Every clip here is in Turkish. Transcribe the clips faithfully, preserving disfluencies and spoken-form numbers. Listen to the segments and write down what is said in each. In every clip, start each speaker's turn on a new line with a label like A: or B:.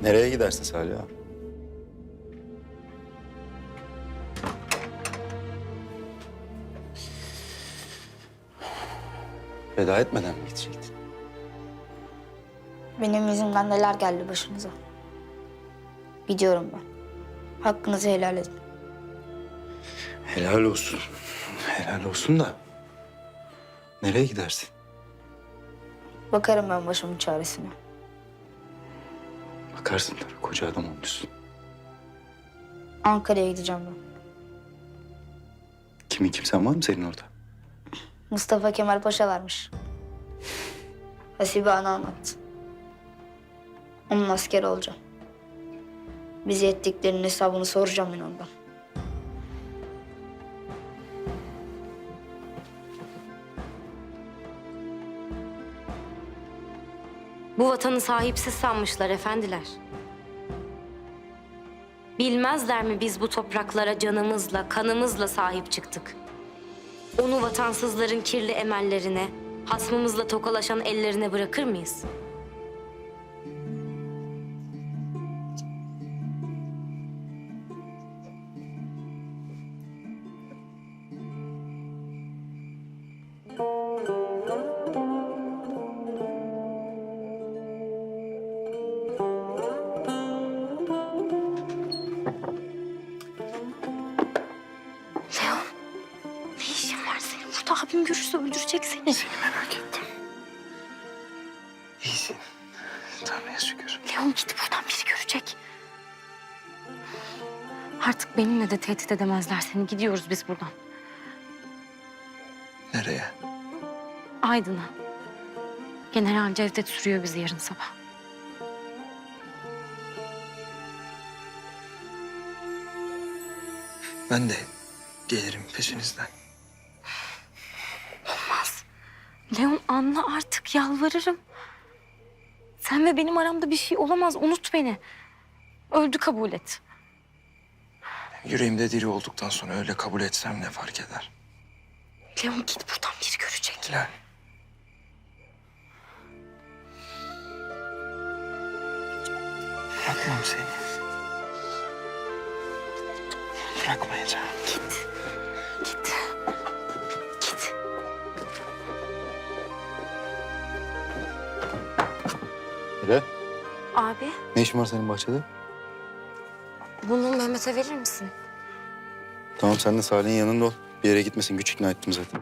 A: Nereye gidersin Salih ağa? Veda etmeden mi gidecektin?
B: Benim yüzümden neler geldi başınıza. Gidiyorum ben. Hakkınızı helal edin.
A: Helal olsun. Helal olsun da. Nereye gidersin?
B: Bakarım ben başımın çaresine.
A: Bakarsın tabii, koca adam olmuşsun.
B: Ankara'ya gideceğim ben.
A: Kimin kimsen var mı senin orada?
B: Mustafa Kemal Paşa varmış. Hasibe ana anlattı. Onun askeri olacağım. Bize ettiklerinin hesabını soracağım ben ondan.
C: Bu vatanı sahipsiz sanmışlar efendiler. Bilmezler mi biz bu topraklara canımızla, kanımızla sahip çıktık? Onu vatansızların kirli emellerine, hasmımızla tokalaşan ellerine bırakır mıyız? Leon, ne işin var senin burada? Abim görürse öldürecek seni.
A: Seni merak ettim. İyisin. Tanrı'ya şükür.
C: Leon git buradan, biri görecek. Artık benimle de tehdit edemezler seni. Gidiyoruz biz buradan.
A: Nereye?
C: Aydın'a. General Cevdet sürüyor bizi yarın sabah.
A: Ben de gelirim peşinizden.
C: Olmaz. Leon anla artık, yalvarırım. Sen ve benim aramda bir şey olamaz. Unut beni. Öldü kabul et.
D: Yüreğimde diri olduktan sonra öyle kabul etsem ne fark eder?
C: Leon git buradan, biri görecek.
D: Hilal. Bırakmam seni. Bırakmayacağım.
C: Git. Git. Git.
A: Hilal,
C: Abi,
A: ne işin var senin bahçede?
C: bunu Mehmet'e verir misin?
A: Tamam, sen de Salih'in yanında ol. Bir yere gitmesin, güç ikna ettim zaten.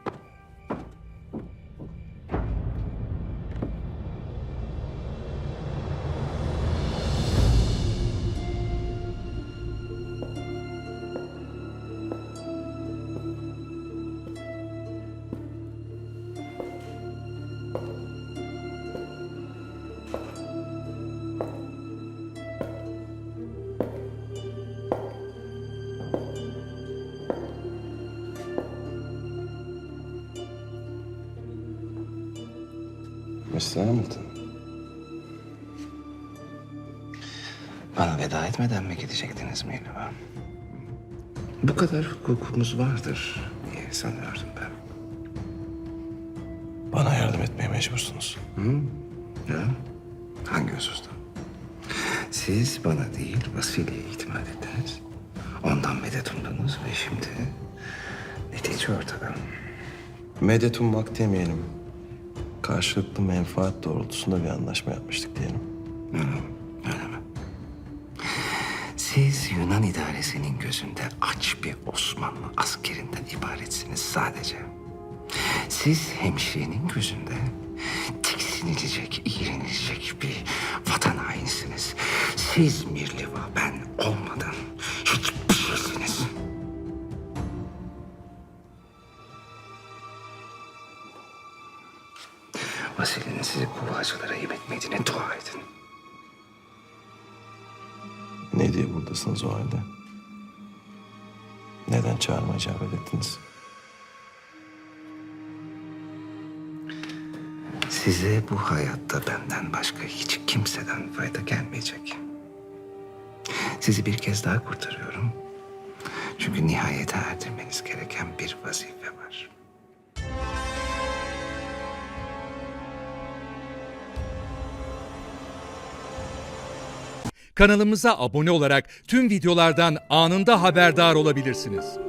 D: mister Hamilton. Bana veda etmeden mi gidecektiniz Mihrimah? Bu kadar hukukumuz vardır diye sanıyordum ben. Bana yardım etmeye mecbursunuz. Hı? Ya? Hangi hususta? Siz bana değil, Vasili'ye itimat ettiniz. Ondan medet umdunuz ve şimdi netice ortada.
E: Medet ummak demeyelim. Karşılıklı menfaat doğrultusunda bir anlaşma yapmıştık diyelim.
D: Öyle mi? Öyle mi? Siz Yunan idaresinin gözünde aç bir Osmanlı askerinden ibaretsiniz sadece. Siz hemşirenin gözünde tiksinilecek, iğrenilecek bir vatan hainisiniz. Siz Mirliva, ben olmadan hiçbir şeysiniz. Vasili'nin sizi kuvvacılara yem etmediğine dua edin.
E: Ne diye buradasınız o halde? Neden çağırma icabet ettiniz?
D: Size bu hayatta benden başka hiç kimseden fayda gelmeyecek. Sizi bir kez daha kurtarıyorum. Çünkü nihayete erdirmeniz gereken bir vazife var.
F: Kanalımıza abone olarak tüm videolardan anında haberdar olabilirsiniz.